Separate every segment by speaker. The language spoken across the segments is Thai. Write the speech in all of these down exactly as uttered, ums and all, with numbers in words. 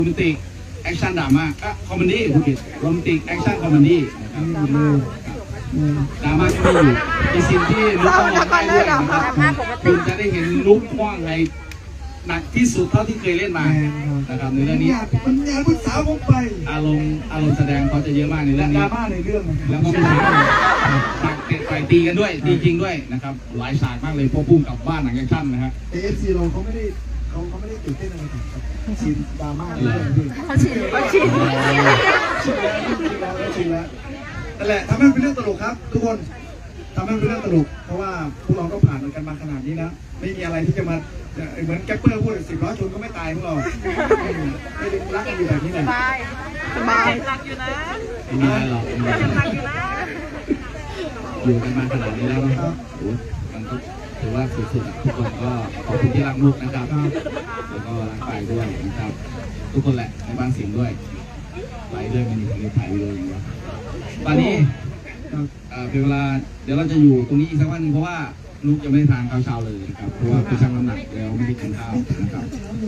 Speaker 1: โรแมนติกแอคชั่นดราม่าอ่ะคอมเมดี้คุณผิดโรแมนติกแอคชั่นคอมเมดี้นะครับดราม่าก็ไม่อยู่มีซีนที่ลุกต้องร้องไห้ด้วยนะครับคุณจะได้เห็นลุกคว้างอะไรหนักที่สุดเท่าที่เคยเล่นมานะครับในเรื่องนี้
Speaker 2: มันงานผู้สาวผมไป
Speaker 1: อารมณ์อารมณ์แสดงเขาจะเยอะมากในเรื่องนี้
Speaker 2: ดราม่าในเรื่อง
Speaker 1: แล้วก็มีฉากเตะต่อยตีกันด้วยตีจริงด้วยนะครับหลายฉากมากเลยพวกพุ่งกับบ้านหนังแอคชั่นนะฮะ
Speaker 2: เอฟซีเราเขาไม่ได้เขาเขาไม่ได้ตื่นเต้นอะไรกับซีนดราม่าเลย
Speaker 3: เขาชินเขาชิน
Speaker 2: ชินแล้วชินแล้วนั่นแหละทำให้เป็นเรื่องตลกครับทุกคนทำให้เป็นเรื่องตลกเพราะว่าพวกเราก็ผ่านกันมาขนาดนี้นะไม่มีอะไรที่จะมาเหมือนแก๊ปเปอร์พูดสิบล้อชนก็ไม่ตายพวกเราไม่ได้รักกันอยู่แบบนี้เลย
Speaker 3: สบายสบายรักอยู่นะ
Speaker 1: ไม่มีอะไรหรอก
Speaker 3: รักอยู่นะ
Speaker 1: อยู่กันมาขนาดนี้แล้วนะครับมันก็ถือว่าสุดๆทุกคนก็ขอบคุณที่รักลูกนะครับแล้วก็รักไปด้วยนะครับทุกคนแหละในบ้านสิงห์ด้วยไปด้วยมันมีถ่ายวิดีโออย่างเงี้ยตอนนี้เป็นเวลาเดี๋ยวเราจะอยู่ตรงนี้อีกสักวันนึงเพราะว่าลูกจะไม่ได้ทานข้าวเช้าเลยนะครับเพราะว่าไปชั่งน้ำหนักแล้วไม่ได้กินข้าวนะครับ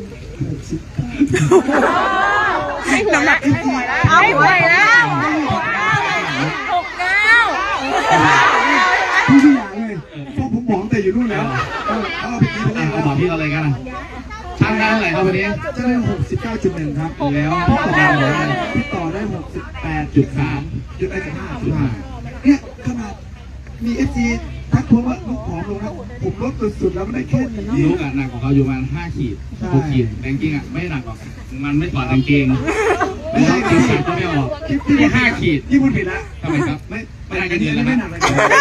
Speaker 3: ไม่หวยแล้วไม่หวยแล้วไม่หวยแล้วหกเก้า
Speaker 2: ผู้ที่อยากเลยพวกผมบอกแต่อยู่นู่นแล้วเอาไปกินเลย
Speaker 1: เอาบอกพี่เราเลยกันนะช่างได้เท่าไหร่ครับวันนี้
Speaker 2: จะได้หกสิบเก้าจุดหนึ่งครับ
Speaker 1: แล้ว
Speaker 2: พี่ต่อได้พี่ต่อได้หกสิบแปดจุดสามจุดไอ้จุดห้าจุดห้าเนี่ยขนาดมีเอฟซีทักทวงว่าลูกผอมลงนะผมลดสุดๆแล้วไม่ได้แค่นี้
Speaker 1: ลูกอ่ะหนักของเขาอยู่ประมาณห้าขีดหกขีดแรงกิ้งอ่ะไม่หนักหรอกมันไม่ถอดกางเกงไม่ต้องกินใส่ก็ไม่ออกที่ห้าขีด
Speaker 2: ที่พูดผิดละ
Speaker 1: ทำไมครับไม่ไม่ได้กันเดือนแล้ว
Speaker 2: ไม่หนักเลย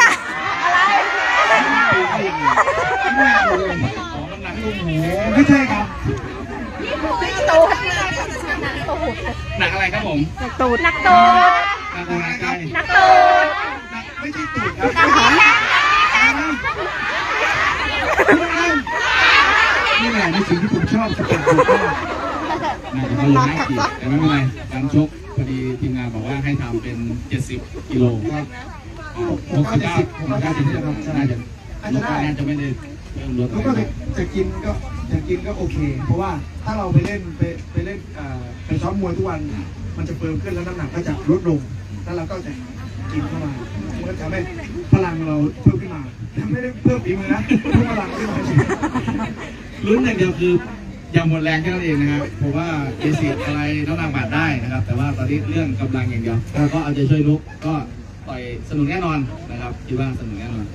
Speaker 2: ไม่ใช่ครับ
Speaker 3: ตูด
Speaker 1: หนักอะไรครับผม
Speaker 3: นักตูดนักตูด
Speaker 1: หนักอะไรครับ
Speaker 3: นักตูด
Speaker 2: ไม่ใช่ตูดครับนี่แหละในสิ่งที่ผมชอบสเก็ตบอร์ดมาก
Speaker 1: หนักเขาอยู่ห้าขีดแต่ไม่เป็นไรการชกพอดีทีมงานบอกว่าให้ทำเป็นเจ็ดสิบกิโลครับหกสิบเก้าหกสิบเก้าถึงจะน่าจะลูกน่าจะไม่ได้เพิ่มลด
Speaker 2: แล้วก็จะกินก็จะกินก็โอเคเพราะว่าถ้าเราไปเล่นไปไปเล่นไปซ้อมมวยทุกวันมันจะเพิ่มขึ้นแล้วน้ำหนักก็จะลดลงแล้วเราก็จะกินเข้ามามันก็ทำให้พลังเราเพิ่มขึ้นมาไม่ได้เพิ่มฝีมือนะเพิ่มพลังขึ้นมา
Speaker 1: ลุ้นอย่างเดียวคือยังหมดแรงแค่นั้นเองนะครับเพราะว่าเอซิดอะไรน้ำหนักบาดได้นะครับแต่ว่าตอนนี้เรื่องกำลังอย่างเดียวก็เอาใจช่วยลุกก็ต่อยสนุกแน่นอนนะครับคิดว่าสนุกแน่นอน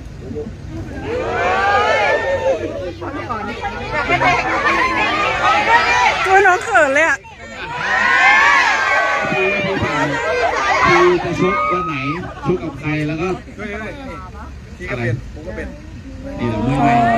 Speaker 3: ตัวน้องเขินเลยอ่ะ
Speaker 1: คือคือจะชกวันไหนชกกับใครแล้วก็
Speaker 2: พี่ก็เป็นผมก็เป็น
Speaker 1: นี่แหละไม่ไม่